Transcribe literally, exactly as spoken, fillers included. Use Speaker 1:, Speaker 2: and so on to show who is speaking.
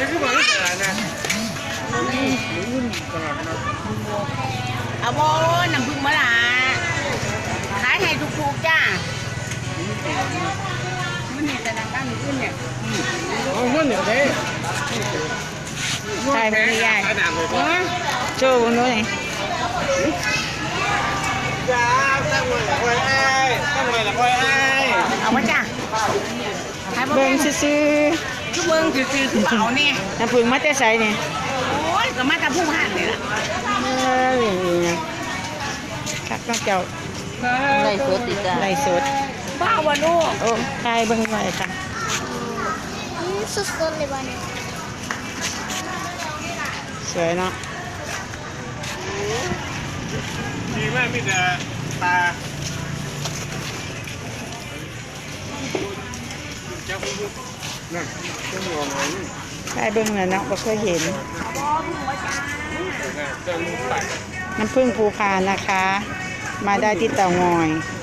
Speaker 1: นี่คือมันตลาดนะ
Speaker 2: เอาโบน้ำพึ่งมะละขายให้ถูกๆจ้ามันนี่แต่ดังด้านขึ้นเนี่ย
Speaker 1: อ๋อมันเนี่ยเด้
Speaker 3: ใช่พี่ใหญ่โชว์นู้นไง
Speaker 1: จ้าตั้งไว้ละคอยไอ้ตั้งไว้ละคอยไอ้
Speaker 2: เอามาจ้า
Speaker 3: เบิ่งซื่อ
Speaker 2: ทุกเบิ่งซื่อๆคือเปล่าเนี่ย
Speaker 3: ๆน้ำผึ้งมาแต่ใส่เนี่ย
Speaker 2: โอ้ยก็มาจากผู้พันนี่ล่ะ
Speaker 3: เอ้ยคักน้องเจ้า
Speaker 2: ไล่สดติจ้า
Speaker 3: ไล่สด
Speaker 2: บ้าวะลูก
Speaker 3: โอ้ทายเบิ่งหน่อยค่ะ
Speaker 4: สุดๆเลยวันนี้
Speaker 3: สวยเนาะ
Speaker 1: ดีมากมีแต่ตาจับมือนั่นต้องมองอะไรนี่
Speaker 3: ทายเบิ่งน่ะเนาะบ่เคยเห็น
Speaker 1: เจ้าลูกไป
Speaker 3: น้ำผึ้งภูพานนะคะ มาได้ที่เตางอย